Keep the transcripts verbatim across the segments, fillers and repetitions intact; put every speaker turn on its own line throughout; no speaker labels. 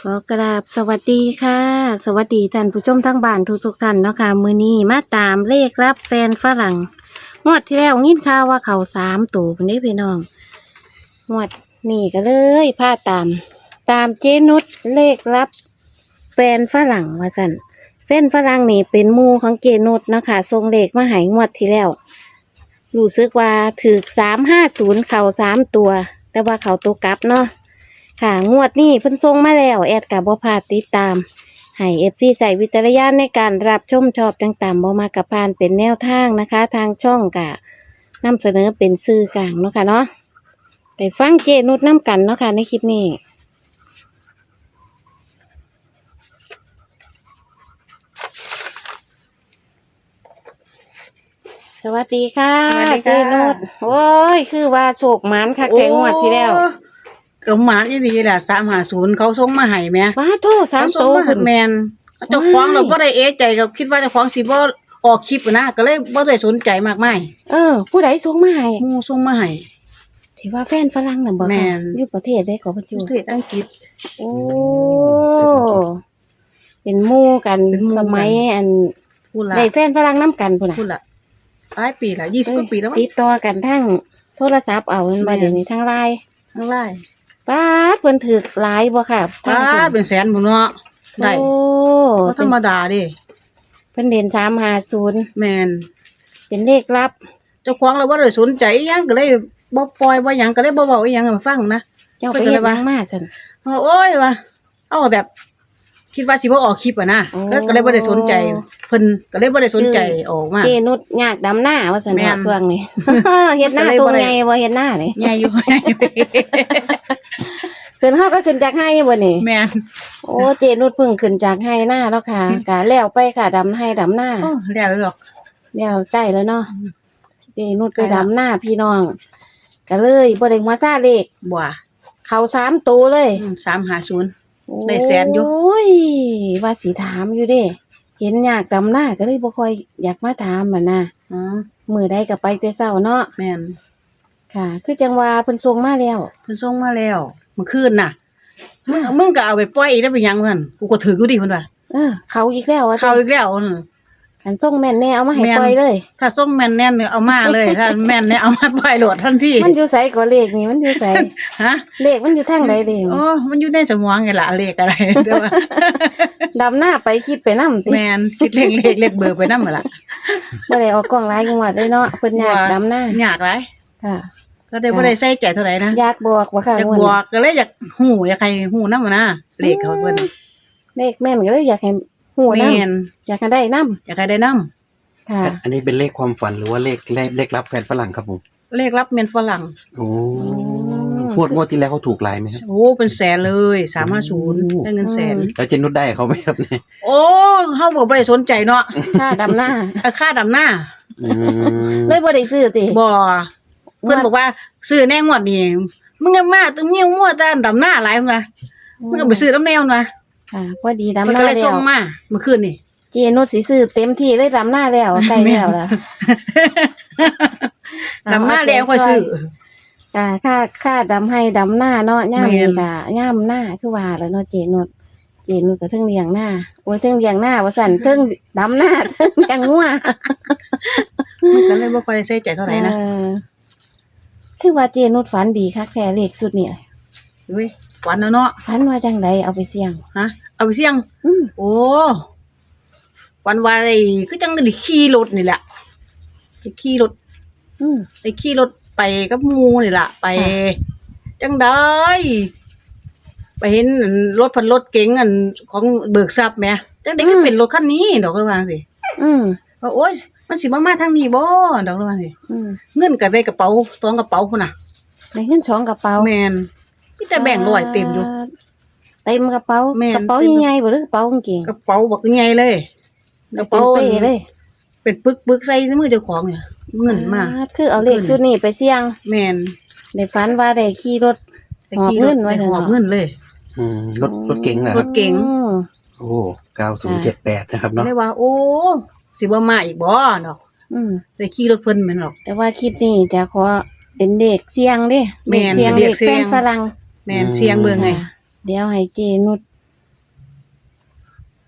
อกราบสวัสดีค่ะสวัสดีท่านผู้ชมทั้งบ้านทุกๆท่านเนาะค่ะมื้อนี้มาตามเลขรับแฟนฝรั่งงวดที่แล้วยินข่าวว่าเขาสามตัวพุ่นนี้พี่น้องงวดนี่ก็เลยพาตาม ตามเจนุชเลขรับแฟนฝรั่งว่าสั่นแฟนฝรั่งนี่เป็นหมู่ของเจนุชเนาะค่ะส่งเลขมาให้งวดที่แล้วรู้สึกว่าถือสามห้าศูนย์เข่าสามตัว แต่ว่าเขาตัวกลับเนาะค่ะงวดนี้เพิ่นส่งมาแล้วแอดกับบ่พลาดติดตามให้เอฟซีใส่วิจารณญาณในการรับชมชอบต่างๆบ่มากับพานเป็นแนวทางนะคะ ทางช่องกะนำเสนอเป็นสื่อกลางเนาะค่ะเนาะไปฟังเจนุชน้ำกันเนาะค่ะในคลิปนี้สวัสดีค่ะ
สวัสดี
เจ
ค่ะ
นุชโอ้ยคือว่าโชคหมานคักแทงงวดที่แล้ว
ก็หมานอีหลีแหละสามห้าศูนย์เขาส่งมาให้แหม่
ว้าโทษสาม
เขา
โต
ส่งมาให้
พุ่น
แม่นเจ้าของ
ว้าย
เราบ่ได้เอะใจก็คิดว่าเจ้าของสิบ่ออกคลิปนะก็เลยบ่ได้สนใจมากมาย
เออ ผู้ใดส่งมาให้
หมู่ส่งมาให้
ที่ว่าแฟนฝรั่งน่ะบ่
แม่
ค่ะ
น
อยู่ประเทศได้ก็บ่
ป
อยู่
ระเทศอังกฤษ
โอ้ เป็นหมู่กัน
เป็นหมู่
ส
กัน
มัยอัน
พูดละ
ได้แฟนฝรั่งนํกันพุ่นน่ะ
พูดละหลายปีละยี่สิบกว่าปีแล้วมั้ง
ติดต่อกันทั้งโทรศัพท์เอามัน
แม่
มาน เดี๋ยวนี้ทั้งไลน์
ทั้งหลาย
ป๊าดเพิ่นถูกหลายบ่ค่ะ
ป้าดเป็นแสนพุ่นเนาะได้
โอ้
บ่ธรรมดาเด้
เพิ่นเด่นสามห้าศูนย์
แม่น
เป็นเลขลับ
เจ้าของเราบ่ได้สนใจอิหยังก็เลยบ่ปล่อยบ่หยังก็เลยบ่เว้าอีหยังให้มันฟังนะ
เจ้า
เพิ่
ไป
นก็
เฮ็
เล
ด
ย
ห
ว่า
ยังมาซั่น
เอาโอ้ยว่ะเอาแบบ คิดว่าสิบ่ออกคลิปอ่ะนะ
โอ้
ก็ก็เลยบ่ได้สนใจเพิ่นก็เลยบ่ได้สนใจออกมา
เจนุชยากดำหน้าว่าซั่น
แม่
ว่าน ช่วงนี้ เฮ็ดหน้า
ก็เลย
ตร
บ่
ง
ได้
ไงบ่เฮ็ดหน้านี่
ใหญ่อยู่
ขึ้นเฮาก็ขึ้นจากไห้บ่นี่
แม่น
โอ้เจนุชเพิ่งขึ้นจากไห้หน้าแล้วค่ะกะแล้วไปค่ะดำไห้ดำหน้า
โอ้แล้วหรอก
แล้วใกล้แล้วเนาะเจนุชไป
ใกล้แล้ว
ดำหน้าพี่น้องก็เลยบ่ได้หัวซาเลข
บ่ว่า
เขาสามตัวเลย
อืมสามห้าศูนย์ ได้แสนอยู่
โอ้ยว่าสิถามอยู่เด้ เห็นอยากดำหน้าก็เลยบ่ค่อยอยากมาถามอ่ะนะ
อ๋อ
มื้อใดก็ไปแต่เช้าเนาะ
แม่น
ค่ะ คือจังว่าเพิ่นส่งมาแล้ว
เพิ่นส่งมาแล้วเมื่อคืนน่ะมึงมึงก็เอาไปปล่อยอีกได้เป็นหยังเพิ่นกูก็ถืออยู่ดิเพิ่นว่า
เออ เขาอีกแล้วว่า
เข้าอีกแล้วนั่น
คันส่งแม่นแน่เอามาให้
แม่น
ปล่อยเลย
ถ้าส่งแม่นแน่นเนี่ยเอามาเลย ถ้าแม่นเนี่ยเอามาปล่อยโหลดทันที
มันอยู่ไสก็เลขนี่มันอยู่ไส
ฮะ
เลขมันอยู่ทางใดเด้
โอ้มันอยู่ในสมองไงล่ะเลขอะไรเด้อว่า
ดำหน้าไปคิดไปนำติ
แม่นคิดเลขเลขเลขเบอร์ไปนำหั่นล่ะ
บ่ได้ออกกล้องหลายงวดเลยเนาะเพิ่นอยากดำหน้าย
ากหลาย
ค่ะ
ก็ได้บ่ได้ใส่ใจเท่าไหร่นะ
อยากบอกว่าค่ะ
อยาก
งวด
บ
นี้
อกก็เลยอยากฮู้อยากให้ฮู้นำนะเลขเขาเพิ่น
เลขแม่นก็เลยอยากให้ฮู้
แม่
นำ
น
อยากให้ได้นำ
อยากให้ได้นำ
ค่ะ
อันนี้เป็นเลขความฝันหรือว่าเลขเลขเลขรับแฟนฝรั่งครับผม
เลขรับเมียนฝรั่ง
โอ้
ม
งวดงวดที่แล้วเขาถูกหลายไหมครับ
โอ้เป็นแสนเลยสามห้าศูนย์ได้เงินแสน
แล้วเจนุชได้เขาไหมครับเนี่ย
โอ้เฮาบ่บ่ได้สนใจเนาะ
ค่าดำหน้า
เอาค่าดำหน้า
อืม
เลยบ่ได้ซื้อติ
บ่เพิ่นบอกว่าซื้อแน่งวดนี้มึงอย่ามาตึงเงี้ยวมั่วแต่ดำหน้าหลายมึงนะมึงเอาไปซื้อน้ำแนวนะ
ค่ะพอดีดำ
เพิ่น
ห
ก็
น้า
เลย
แล้
ส่
ว
งมาเมื่อคืนนี่
เจนุชสิซื้อเต็มที่เลยดำหน้าแล้วใกล้แล้วล่ะ
ดำหน้าแล้วค่อยซื้อ
ค่ะค่าค่าดำให้ดำหน้าเนาะย่าม
แม่
นี่
น
ก็ย่ามหน้าคือว่าแล้วเนาะเจนุชเจนุชก็เทิงเลี้ยงหน้าโอ้ยเทิงเลี้ยงหน้าว่าซั่นเทิงดำหน้าเทิงเลี้ยงงัว
มันก็เลยบ่ค่อยได้ใส่ใจเท่าไหร่นะ
เออคือว่าเจนุชฝันดีคักแท้เลขสุดเนี่ย
เฮ้ยหวานแล้วเนาะ
ฝันว่าจังไดเอาไปเสี่ยง
ฮะเอาไปเสี่ยง
อืม
โอ้วันวานไอ้คือจังได้ขี่รถนี่แหละได้ขี่รถ
อืม
ได้ขี่รถไปกับหมู่นี่ล่ะ ไป
ค่ะ
จังได้ไปเห็นอันรถพันรถเก๋งอันของเบิกทรัพย์แหมจังได้ก็เป็นรถคันนี้ดอกก็ว่าสิ
อืม
ว่าโอ๊ยมันสิมามาทางนี้บ่ดอกก็ว่าสิ
อืม
เงินก็ได้กระเป๋าสองกระเป๋าพุ่นน่ะ
ได้เงินสองกระเป๋า
แม่นมีแต่แบ่งค์ร้อยเต็มอยู่
เต็มกระเป๋า
แม่น
กระเป๋าใหญ่ๆบ่หรือกระเป๋ากางเกง
กระเป๋าบักใหญ่เลย กระเป๋า
ป็นเป้เลย
เป็นปึกๆใส่ในมือเจ้าของเนี่ยเงินมา
อ่คือเอาเลข
เงิน
ชุดนี้ไปเสี่ยง
แม่น
ได้ฝันว่าได้ขี่รถ
ได้
หอบ
ขี่
เงิ
รถ
นไว้
ได้
เถอะ
หอบ
เนาะ
เงินเลย
อืมรถรถเก๋งเหรอค
ร
รับ
ถเก๋ง
อืม
โอ้เก้าศูนย์เจ็ดแปดนะครับเนาะ
เลยว่า โอ้สิบ่มาอีกบ่ดอก
อืม
ได้ขี่รถเพิ่นแม่นหรอก
แต่ว่าคลิปนี้จะขอเป็นเด็กเสี่ยงเด้
แม่
เด็ก
น
เสี่ยง
เด็
เด็
ก
ก
เสี่
แฟ
ยง
นฝรั่ง
แม่นเสียงเบิ่งไง
ค่ะเดี๋ยวให้เจนุช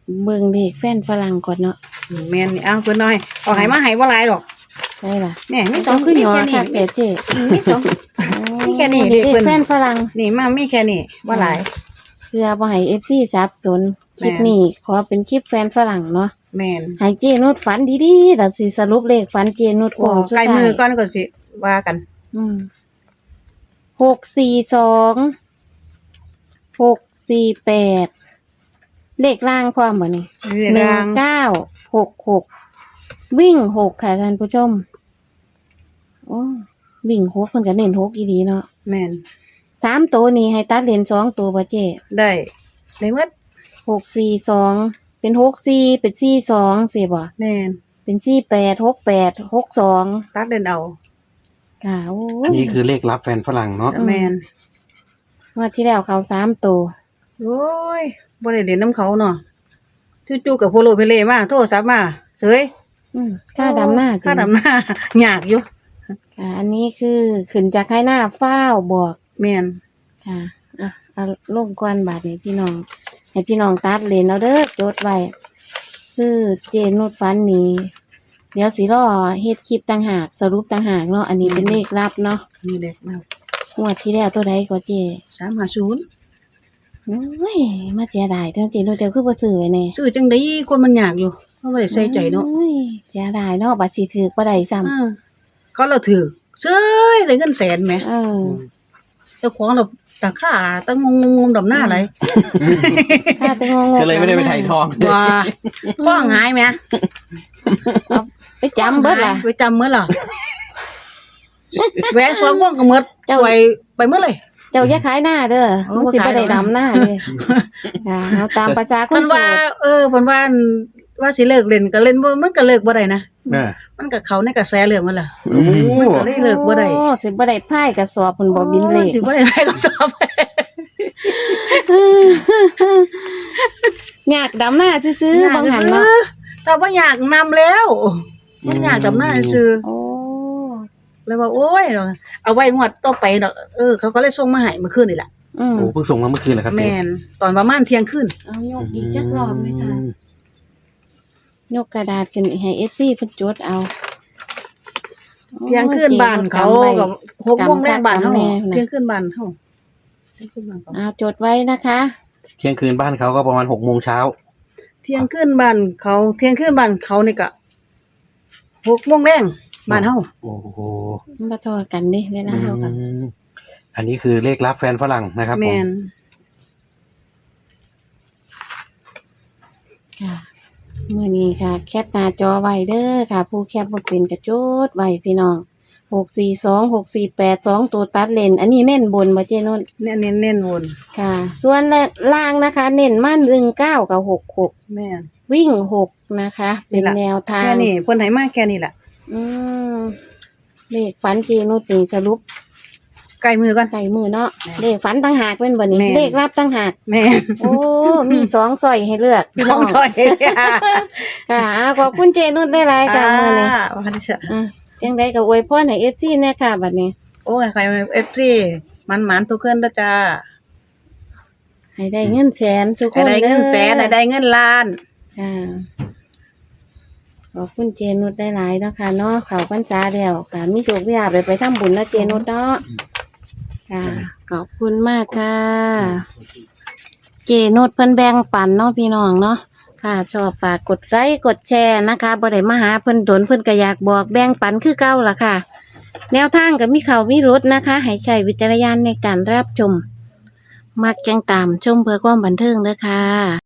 เบิ่งเลขแฟนฝรั่งก่อนเนาะ
แม่นนี่เอาเพิ่นน้อยเอาให้มาให้บ่หลายดอก
ใช่ล่ะ
แหน่มีส
ต้
อ
อง งขึ้นหยอ
มี
ค่ะ
แค่
เป๋เจ๊
นี้มีสอง มีแค่นี้
เล
เด็กเพิ่
ข
น
แฟนฝรั่ง
นี่มามีแค่นี้บ่หลาย
เพื่อบ่ให้ เอฟ ซี สับสนคลิป
แม่น
นี้ขอเป็นคลิปแฟนฝรั่งเนาะ
แม่น
ให้เจนุชฝันดีๆแล้วสิสรุปเลขฝันเจนุช
โอ้
โค้งสุด
ใกล้
ท้า
มือย ก่อนก็สิว่ากัน
อืมหกสี่สองหกสี่แปดเลขล่างความบ่นี่
เรื่อง
หนึ่ง
ราง
เก้าหกหกวิ่งหกค่ะท่านผู้ชมโอ้วิ่งหกเพิ่นก็เน้นหกอีดีเนาะ
แม่น
สามตัวนี้ให้ตัดเลนสองตัวบ่เจ๊
ได้ได้หมด
หกสี่สองเป็นหกสี่เป็นสี่สองสิบ่
แม่น
เป็นสี่แปดหกแปดหกสอง
ตัดเดินเอา
ค่ะโอ้
อัน
ย
นี้คือเลขรับแฟนฝรั่งเนาะ
อืม
แม่น
งวดที่แล้วเขาสามตัว
โอ้ยบ่ได้เล่นน้ำเขาเนาะจู่ๆกับโพโลเพเลมาโทรศัพท์มาเสย
อืมค่าดำหน้า
ค่า
จริง
ดำหน้า ยากอยู่
ค่ะ อันนี้คือขึ้นจากให้หน้าฟ้าวบอก
แม่น
ค่ะอ่ะเอาลงก้อนบาทนี่พี่น้อง ให้พี่น้องตัดเลนเอาเด้อจดไว้คือเจนุดฟันนี้เดี๋ยวสิรอเฮ็ดคลิปต่างหากสรุปต่างหากเนาะอันนี้เป็นเลขลับเนาะ
นี่เด็กมาก
งวดที่แล้วตัวใดก็เจ
สามห้าศูนย์
โอ้ยมาเสียดายเท่าเจนุดเดี๋ยวคือบ่ซื้อไว้แน่
ซื้อจังได๋คนมันยากอยู่เพราะบ่ได้ใส่ใจเนาะ
โอ้ยเสียดายเนาะบัดสิถือบ่ได้ซ้ำ
อ่าก็เราถือเซ้ยได้เงินแสนแหม
เออ
เจ้าของเราตาค่าตั้งงงๆดำหน้าอะไร
ค่าแต่งงๆ
ก็เลยไม่ได้ไปถ่ายทอง
ว่าข้องหายไหม
ไปจำเบิดล่ะ
ไปจำเมื่อล่ะแหวนสองวงก็หมด
เจ้า
สวยไปเมื่อเลย
เจ้าอย่าขายหน้าเด้อ
โอ้
มันสิ
บ่
บ่
ขาย
ได้
หรอก
ดำหน้าเด้อค่ะเอาตามภาษาค
เพิ่
น
น
โส
ว่า
ด
เออเพิ่นว่าว่าสิเลิกเล่นก็เล่นบ่มันก็เลิกบ่ได้นะ
เออ
มันก็เขาในกระแสเรื่องมันล่ะ
โอ้
มันก็เลยเลิกบ่ได้
โอ้สิบ่ได้พายกระสอบเพิ่นบ่บินเลข
สิบ่ได้ได้ก็สอบ
อยากดำหน้าซื้อๆบางหันเนาะ
แต่ว่าอยากนำแล้วบ่อยากดำหน้าซื่อ
โอ้
เลยว่าโอ้ยเอาไว้งวดต่อไปดอกเออเขาก็เลยส่งมาให้เมื่อคืนนี่แหละ
อืม
โหเพิ่งส่งมาเมื่อคืนเหรอครับ
แม
เจ๊
นตอนประมาณเที่ยงคืน
เอายกอีกจักรอบไหมคะยกกระดาษขึ้นให้ เอฟ ซี เพิ่นจดเอา
เที่ยงคืนบ้านเขา
โอ้ย
กับหกโมงแรกบ้านเฮา
จำแม่นะ
เที่ยงคืนบ้านเฮาเที่ยงคืนบ้านเขา
เอาจดไว้นะคะ
เที่ยงคืนบ้านเขาก็ประมาณหกโมงเช้า
เที่ยงคืนบ้านเขาเที่ยงคืนบ้านเขานี่ก็หกโมงแรงบ้านเฮา
โอ้โห
มันบ่ทอดกันเด้เวลาเฮากัน
อืมอันนี้คือเลขรับแฟนฝรั่งนะครับผ
แม
ม
น
ค่ะมื้อนี้ค่ะ แคปหน้าจอไว้เด้อค่ะ ผู้แคปบ่เป็นก็จดไว้พี่น้องหกสี่สอง หกสี่แปด สองตัวตัดเลนอันนี้เน้นบนบ่เจนนท์
เน้นเน้นเน้นวน
ค่ะ ส่วนล่างนะคะ เน้นมาหนึ่งเก้ากับหกหก
แม่น
วิ่งหกนะคะ เป็น
นี่ล่ะ
แนวทาง
แค่นี้เพิ่นให้มาแค่นี้แหละ
อืมเลขฝันเจนุชนี่สรุป
ใกล้มือก่อน
ไก่มือเนาะ
แม่
เลขฝันตั้งหากเป็นบ่นี้
แม่
เลขรับตั้งหาก
แม่น
โอ้ มีสองสอยให้เลือกพี่
ส
น้
องซอย
ค่ะอ่าขอบคุณเจนุชได้หลายๆค่ะมื้อนี้
อ่าว่าดิฉัน
อ่ะจังไดก็อวยพรให้ เอฟ ซี แน่ค่ะบัดนี้
โอ้ยใคร เอฟ ซี มันหมานทุกคนเด้อจ้า
ให้ได้เงินแสนทุกค
ให้
น
ได้เงินแสน
ด้
ให้
อ
ได้เงินล้าน
ค่ะขอบคุณเจนุชได้หลายๆเนาะค่ะเนาะเขาพรรษาแล้วค่ะมีโชคมีลาภไปทำบุญนะเจนุชเนาะค่ะ ขอบคุณมากค่ะ เจนุชเพิ่นแบ่งปันเนาะพี่น้องเนาะค่ะ ชอบฝากกดไลค์กดแชร์นะคะบ่ได้มาหาเพิ่นดนเพิ่นก็อยากบอกแบ่งปันคือเก่าล่ะค่ะ แนวทางก็มีเขามีรถนะคะ ให้ใช้วิจารณญาณในการรับชม มักจังตามชมเพื่อความบันเทิงเด้อค่ะ